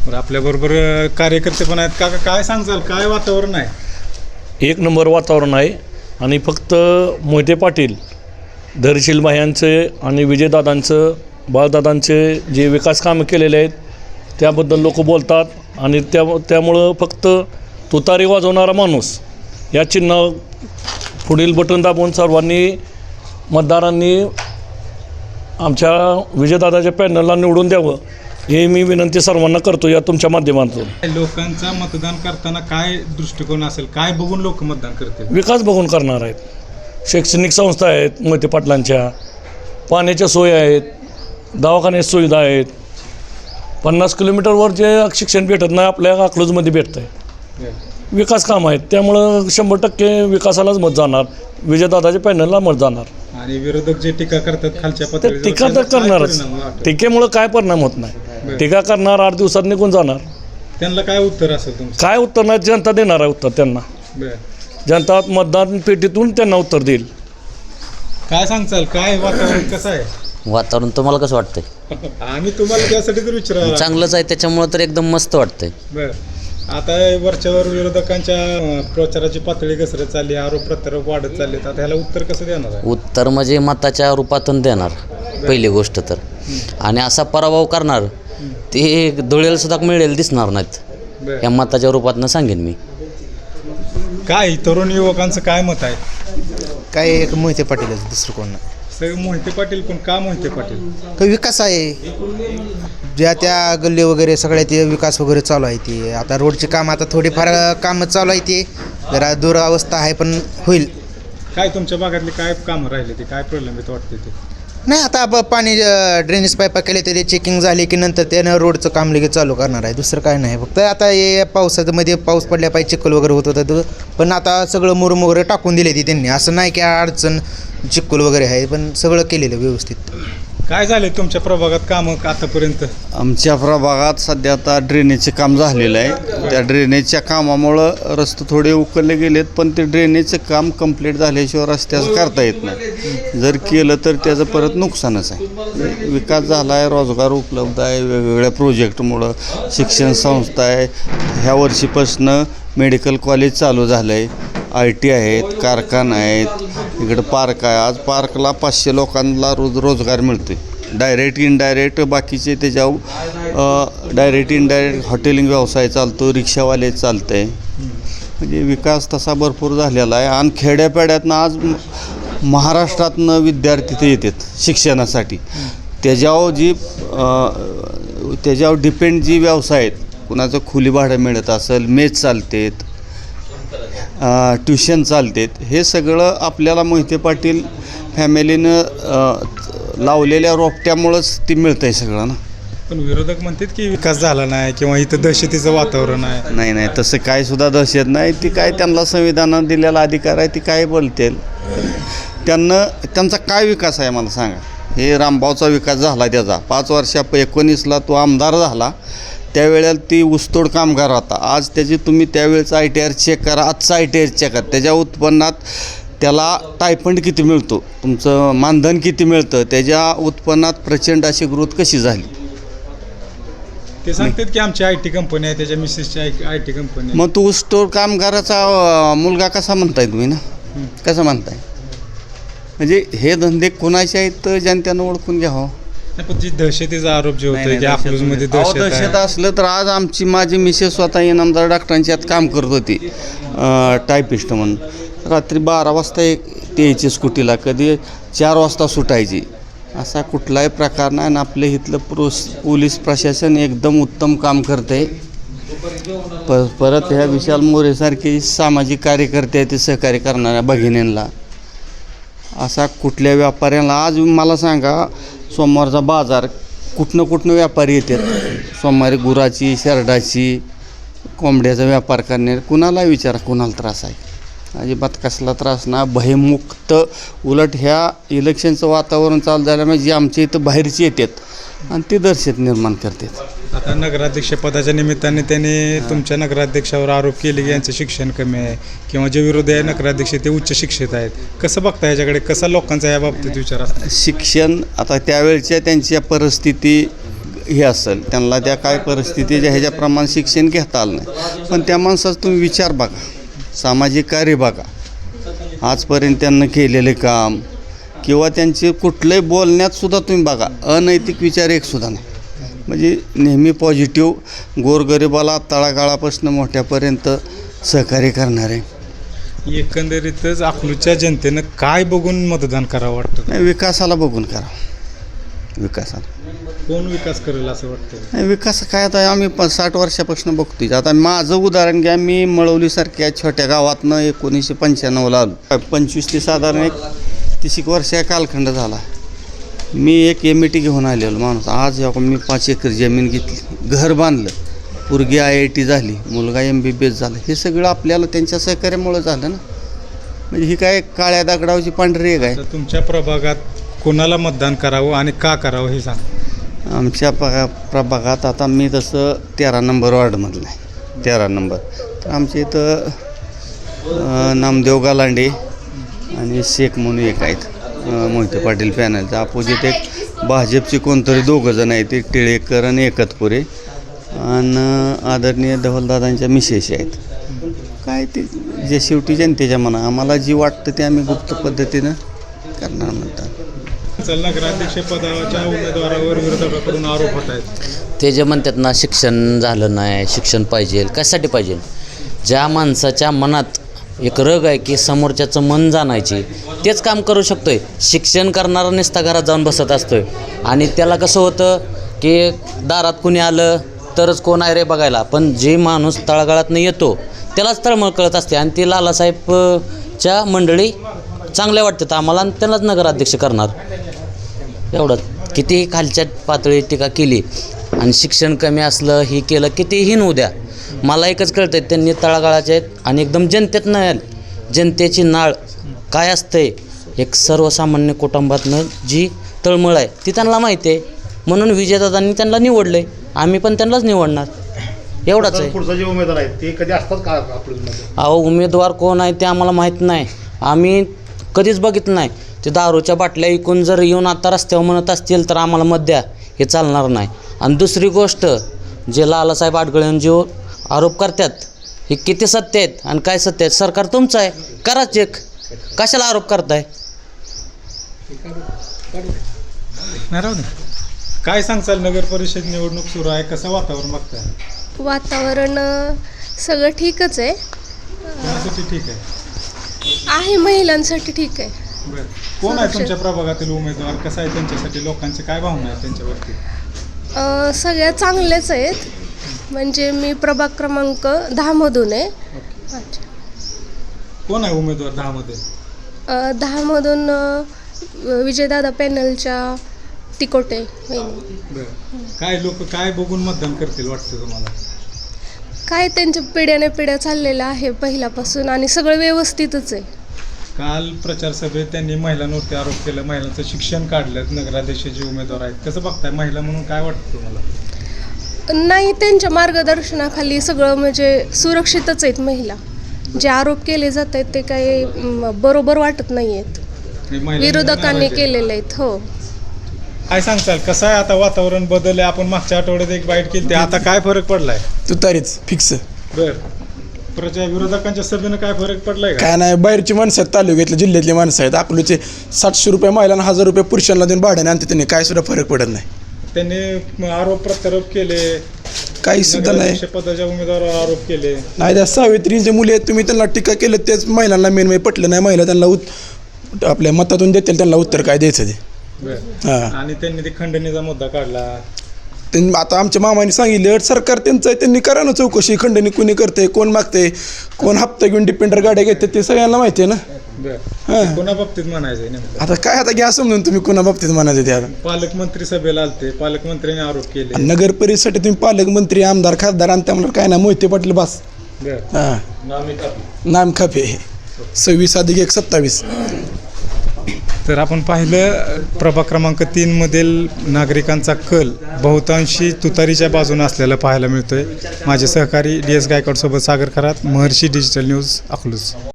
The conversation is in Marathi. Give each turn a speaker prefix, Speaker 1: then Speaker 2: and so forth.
Speaker 1: आपल्याबरोबर कार्यकर्ते पण आहेत. काका काय सांगचाल, काय वातावरण आहे?
Speaker 2: एक नंबर वातावरण आहे आणि फक्त मोहिते पाटील, धैर्यशील भायांचे आणि विजयदादांचं, बाळदादांचे जे विकास कामं केलेले आहेत त्याबद्दल लोक बोलतात आणि त्यामुळं फक्त तुतारी वाजवणारा माणूस या चिन्ह पुढील बटन दाबून सर्वांनी मतदारांनी आमच्या विजयदादाच्या पॅनलला निवडून द्यावं हे मी विनंती सर्वांना करतो या तुमच्या माध्यमातून.
Speaker 1: लोकांचा मतदान करताना काय दृष्टिकोन असेल, काय बघून लोक मतदान करतील?
Speaker 2: विकास बघून करणार आहेत. शैक्षणिक संस्था आहेत मोहिते पाटलांच्या, पाण्याच्या सोयी आहेत, दवाखान्याच्या सुविधा आहेत. 50 किलोमीटरवर जे शिक्षण भेटत नाही आपल्या अकलूजमध्ये भेटतं आहे. विकास काम आहेत त्यामुळं 100% विकासालाच मत जाणार, विजयदादाच्या पॅनलला मत जाणार.
Speaker 1: आणि विरोधक जे टीका करतात खालच्या
Speaker 2: ते
Speaker 1: पातळीवर,
Speaker 2: टीका तर करणारच. टीकेमुळं काय परिणाम होत नाही. टीका करणार 8 दिवसात निघून जाणार.
Speaker 1: त्यांना काय उत्तर असेल तुमचं?
Speaker 2: काय उत्तर नाही, जनता देणार आहे उत्तर त्यांना. जनता मतदान पेटीतून त्यांना उत्तर देईल.
Speaker 1: काय सांगचाल, काय वातावरण कसं आहे?
Speaker 3: वातावरण तुम्हाला कसं वाटतंय?
Speaker 1: आम्ही तुम्हाला त्यासाठी तर विचारायला.
Speaker 3: चांगलंच आहे, त्याच्यामुळं तर एकदम मस्त वाटतंय.
Speaker 1: बरं, आता वरच्यावर विरोधकांच्या प्रचाराची पातळी घसरत चालली, आरोप प्रत्यारोप वाढत चालले, आता ह्याला उत्तर कसं देणार आहे?
Speaker 3: उत्तर म्हणजे मताच्या रूपातून देणार पहिली गोष्ट तर. आणि असा पराभव करणार ते धुळेला सुद्धा मिळेल दिसणार नाहीत या मताच्या रूपातनं सांगेन मी.
Speaker 1: काय तरुण युवकांचं काय मत आहे?
Speaker 4: काय एक मोहिते पाटीलच, दुसरं कोण नाही.
Speaker 1: सगळे मोहिते पाटील, पण का मोहिते पाटील?
Speaker 4: काही विकास आहे, ज्या त्या गल्ली वगैरे सगळ्या ते विकास वगैरे चालू आहे. ते आता रोडचे काम आता थोडीफार कामं चालू आहे, ते जरा दुरावस्था आहे पण होईल.
Speaker 1: काय तुमच्या भागातले काय कामं राहिले, ते काय प्रलंबित वाटते ते?
Speaker 4: नाही आता पाणी ड्रेनेज पाईपा केले तरी चेकिंग झाली की नंतर त्यानं रोडचं काम लगेच चालू करणार आहे. दुसरं काय नाही, फक्त आता हे पावसामध्ये पाऊस पडल्या पाहिजे, चिखल वगैरे होत होतं, पण आता सगळं मुरुम वगैरे टाकून दिले ती त्यांनी. असं नाही की अडचण चिखल वगैरे आहे, पण सगळं केलेलं व्यवस्थित.
Speaker 1: काय झाले तुमच्या प्रभागात कामं आतापर्यंत?
Speaker 5: आमच्या प्रभागात सध्या आता ड्रेनेजचे काम झालेलं आहे. त्या ड्रेनेजच्या कामामुळं रस्ते थोडे उकलले गेलेत, पण ते ड्रेनेजचं काम कंप्लीट झाल्याशिवाय रस्त्याचं करता येत नाही. जर केलं तर त्याचं परत नुकसानच आहे. विकास झाला आहे, रोजगार उपलब्ध आहे वेगवेगळ्या प्रोजेक्टमुळं, शिक्षण संस्था आहे. ह्या वर्षीपासून मेडिकल कॉलेज चालू झालं आहे, IT आहेत, कारखाना आहेत, इकडं पार्क आहे. आज पार्कला 500 लोकांना रोजगार मिळतो आहे. डायरेक्ट इनडायरेक्ट बाकीचे त्याच्यावर डायरेक्ट इनडायरेक्ट हॉटेलिंग व्यवसाय चालतो, रिक्षावाले चालतं आहे. म्हणजे विकास तसा भरपूर झालेला आहे. आणि खेड्यापाड्यातनं आज महाराष्ट्रातनं विद्यार्थी ते येतात शिक्षणासाठी. त्याच्यावर डिपेंड जी व्यवसाय आहेत, कुणाचं खोली भाडं मिळत असेल, मेस चालतात, ट्युशन चालतात, हे सगळं आपल्याला मोहिते पाटील फॅमिलीनं लावलेल्या रोपट्यामुळंच ती मिळतं आहे सगळं ना.
Speaker 1: पण विरोधक म्हणतात की विकास झाला नाही किंवा इथं दहशतीचं वातावरण आहे.
Speaker 5: नाही, तसं काय सुद्धा दहशत नाही. ती काय त्यांना संविधानानं दिलेला अधिकार आहे, ती काय बोलतील. त्यांचा काय विकास आहे मला सांगा. हे रामभाऊचा विकास झाला त्याचा 5 वर्षां 19ला तो आमदार झाला, त्यावेळेला ती ऊसतोड कामगार होता. आज त्याची तुम्ही त्यावेळेचा ITR चेक करा, आजचा ITR चेक करा. त्याच्या उत्पन्नात त्याला टायफंड किती मिळतो, तुमचं मानधन किती मिळतं, त्याच्या उत्पन्नात प्रचंड अशी ग्रोथ कशी झाली.
Speaker 1: ते सांगतात की आमची IT कंपनी आहे, त्याच्या मिसेसची IT कंपनी.
Speaker 5: मग तो ऊसतोड कामगाराचा मुलगा कसा म्हणताय तुम्ही ना, कसं म्हणताय? म्हणजे हे धंदे कोणाचे आहेत तर जनतेनं ओळखून घ्यावं.
Speaker 1: पण जी दहशतीचा आरोप जे होतोय की अकलूजमध्ये
Speaker 5: दहशत असलं तर आज माझी मिसेस स्वतः इनामदार डॉक्टरांची यात काम करत होती, टायपिस्ट म्हणून. रात्री 12 वाजता ते यायची स्कूटीला, कधी 4 वाजता सुटायची. असा कुठलाही प्रकार नाही. आणि आपल्या इथलं पोलीस प्रशासन एकदम उत्तम काम करतं आहे. परत ह्या विशाल मोरेसारखे सामाजिक कार्यकर्ते आहेत, ते सहकार्य करणाऱ्या भगिनींना, असा कुठल्या व्यापाऱ्यांना. आज मला सांगा, सोमवारचा बाजार कुठनं व्यापारी येतात. सोमवारी गुराची, शेरडाची, कोंबड्याचा व्यापार करणे, कुणाला विचारा कुणाला त्रास आहे. अजिबात कसला त्रास ना, भयमुक्त. उलट ह्या इलेक्शनचं वातावरण चालू झाल्यामुळे जी आमच्या इथं बाहेरची येतात आणि ते दहशत निर्माण करतात.
Speaker 1: आता नगराध्यक्ष पदाच्या निमित्ताने त्यांनी तुमच्या नगराध्यक्षावर आरोप केले की यांचं शिक्षण कमी आहे किंवा जे विरोधी आहे नगराध्यक्ष ते उच्च शिक्षित आहेत. कसं बघता याच्याकडे, कसा लोकांचा या बाबतीत विचार असतो?
Speaker 5: शिक्षण आता त्यावेळच्या त्यांच्या परिस्थिती हे असेल त्यांना त्या काय परिस्थितीच्या ह्याच्याप्रमाणे शिक्षण घेता आलं नाही, पण त्या माणसाचा तुम्ही विचार बघा, सामाजिक कार्य बघा, आजपर्यंत त्यांना केलेले काम किंवा त्यांचे कुठलंही बोलण्यात सुद्धा तुम्ही बघा, अनैतिक विचार एकसुद्धा नाही. म्हणजे नेहमी पॉझिटिव्ह, गोरगरिबाला तळागाळापासून मोठ्यापर्यंत सहकार्य करणारे.
Speaker 1: एकंदरीतच अकलूजच्या जनतेनं काय बघून मतदान करावं वाटतं?
Speaker 5: नाही, विकासाला बघून करा, विकासाला.
Speaker 1: कोण विकास करेल असं वाटतं?
Speaker 5: नाही, विकास काय आता आम्ही 60 वर्षापासून बघतोय. आता माझं उदाहरण घ्या, मी मळवलीसारख्या छोट्या गावातनं 1995ला आलो. 25 ते साधारण एक 30 वर्ष कालखंड झाला. मी एक MIT घेऊन आलेलो माणूस. आज मी 5 एकर जमीन घेतली, घर बांधलं, पोरगी IIT झाली, मुलगा MBBS झाला. हे सगळं आपल्याला त्यांच्या सहकार्यामुळं झालं ना. म्हणजे ही काय काळ्या दगडावची पांढरी एक आहे.
Speaker 1: तर तुमच्या प्रभागात कोणाला मतदान करावं आणि का करावं हे सांग.
Speaker 5: आमच्या प्रभागात आता मी तसं 13 नंबर वॉर्डमधलं आहे, 13 नंबर. तर आमच्या इथं नामदेव गालांडे आणि शेख म्हणून एक आहेत, मोहिते पाटील पॅनलचा. अपोजिट एक भाजपचे कोणतरी 2 जण आहेत, एक टिळेकर आणि एकतपुरे, आणि आदरणीय धवलदादांच्या मिसेस आहेत. काय ते जे शेवटी जनतेच्या मना, आम्हाला जी वाटतं ते आम्ही गुप्त पद्धतीनं करणार म्हणतात.
Speaker 1: नगराध्यक्ष पदाच्या उमेदवारावर विरोधकाकडून आरोप होत आहेत.
Speaker 3: ते जे म्हणतात ना, शिक्षण झालं नाही, शिक्षण पाहिजे, कशासाठी पाहिजे? ज्या माणसाच्या मनात एक रग आहे की समोरच्याचं मन जाणायची, तेच काम करू शकतोय. शिक्षण करणारा नुसता घरात जाऊन बसत असतोय, आणि त्याला कसं होतं की दारात कुणी आलं तरच कोण आहे रे बघायला, पण जे माणूस तळागाळातनं येतो त्यालाच तळमळ कळत असते. आणि ते लालासाहेबच्या मंडळी चांगल्या वाटतात आम्हाला, आणि त्यालाच नगराध्यक्ष करणार. एवढंच. कितीही खालच्या पातळी टीका केली आणि शिक्षण कमी असलं, हे केलं, कितीही न उद्या, मला एकच कळतं आहे, त्यांनी तळागाळाचे आहेत आणि एकदम जनतेतनं आलं. जनतेची नाळ काय असते, एक सर्वसामान्य कुटुंबातनं जी तळमळ आहे ती त्यांना माहिती आहे, म्हणून विजयदादांनी त्यांना निवडलं आहे. आम्ही पण त्यांनाच निवडणार, एवढंच आहे.
Speaker 6: पुढचा जे उमेदवार आहेत ते कधी असतात का अकलूजमध्ये?
Speaker 3: अहो, उमेदवार कोण आहे ते आम्हाला माहीत नाही, आम्ही कधीच बघितलं नाही. ते दारूच्या बाटल्या ऐकून जर येऊन आता रस्त्यावर म्हणत असतील तर आम्हाला मत द्या, हे चालणार नाही. आणि दुसरी गोष्ट, जे लालासाहेब आडगळे जो आरोप करतात हे किती सत्य आहेत आणि काय सत्य आहेत, सरकार तुमचं आहे, करा चेक. कशाला आरोप करताय?
Speaker 1: नाही राहू दे. काय सांगचाल, नगर परिषद निवडणूक सुरू आहे, कसं वातावरण बघताय?
Speaker 7: वातावरण सगळं ठीकच आहे.
Speaker 1: कोणासाठी ठीक
Speaker 7: आहे महिलांसाठी ठीक आहे.
Speaker 1: बरं. कोण आहे तुमच्या प्रभागातील उमेदवार, कसं आहे त्यांच्यासाठी, लोकांचे काय भावना आहेत त्यांच्यावरती?
Speaker 7: सगळ्या चांगलेच आहेत. म्हणजे मी प्रभाग क्रमांक 10 मधून आहे. अच्छा.
Speaker 1: कोण आहे उमेदवार 10 मध्ये?
Speaker 7: 10 मधून विजयदादा पॅनलच्या तिकोटे वहिनी.
Speaker 1: बरं. काय लोक काय बघून मतदान करतील वाटतं तुम्हाला?
Speaker 7: काय त्यांच्या पिढ्याने पिढ्या चाललेलं आहे पहिल्यापासून, आणि सगळं व्यवस्थितच आहे.
Speaker 1: काल प्रचार सभेत त्यांनी महिलांवरती आरोप केला, महिलांचं शिक्षण काढलं, नगराध्यक्ष जे उमेदवार आहेत, कसं बघताय? महिला म्हणून काय वाटतं तुम्हाला?
Speaker 7: नाही, त्यांच्या मार्गदर्शनाखाली सगळं म्हणजे सुरक्षितच आहेत महिला. जे आरोप केले जात आहेत ते काही बरोबर वाटत नाही आहेत, विरोधकांनी केलेले आहेत. हो.
Speaker 1: काय सांगताल, कसं आहे आता वातावरण बदललंय? आपण मागच्या आठवड्यात एक बाईट केली, आता काय फरक पडलाय?
Speaker 8: तुतारीच फिक्स.
Speaker 1: बर. विरोधकांच्या सभेनं काय फरक पडलाय का?
Speaker 8: काय नाही, बाहेरची माणसं आहेत, तालुक्यातले जिल्ह्यातली माणसं आहेत. अकलूजचे 700 रुपये महिलांना, 1000 रुपये पुरुषांना देऊन भाड्याने आणते, त्यांनी काय सुद्धा फरक पडत नाही.
Speaker 1: त्यांनी आरोप प्रत्यारोप केले,
Speaker 8: काही सुद्धा नाही.
Speaker 1: पदाच्या उमेदवारावर आरोप केले.
Speaker 8: नाही, त्या सावित्रीचे मुले आहेत, तुम्ही त्यांना टीका केलं, तेच महिलांना मेन पटलं नाही. महिला त्यांना आपल्या मतातून देतील, त्यांना उत्तर काय द्यायचं ते. हां.
Speaker 1: आणि त्यांनी ते खंडणीचा मुद्दा काढला.
Speaker 8: त्यांनी आता आमच्या मामाने सांगितलं, सरकार त्यांचं आहे, त्यांनी करा ना चौकशी. खंडणी कुणी करते, कोण मागते, कोण हप्ता घेऊन डिपेंडर गाड्या घेते, ते सगळ्यांना माहिती आहे ना.
Speaker 1: हां. कोणा बाबतीत म्हणायचंय नेमकं?
Speaker 8: आता काय, आता घ्या समजून तुम्ही कोणा बाबतीत म्हणायचं ते. आता
Speaker 1: पालकमंत्री सभेला आलते, पालकमंत्र्यांनी आरोप केले.
Speaker 8: नगर परिषदेसाठी तुम्ही पालकमंत्री, आमदार, खासदार आणि त्यामुळे काय ना, मोहिते पाटील बस. हां. नाम खापे 26+1 27.
Speaker 1: तर आपण पाहिलं प्रभाग क्रमांक 3 मधील नागरिकांचा कल बहुतांशी तुतारीच्या बाजूने असलेला पाहायला मिळतोय. माझे सहकारी DS गायकवाड सोबत सागर खरात, महर्षी डिजिटल न्यूज, अकलूज.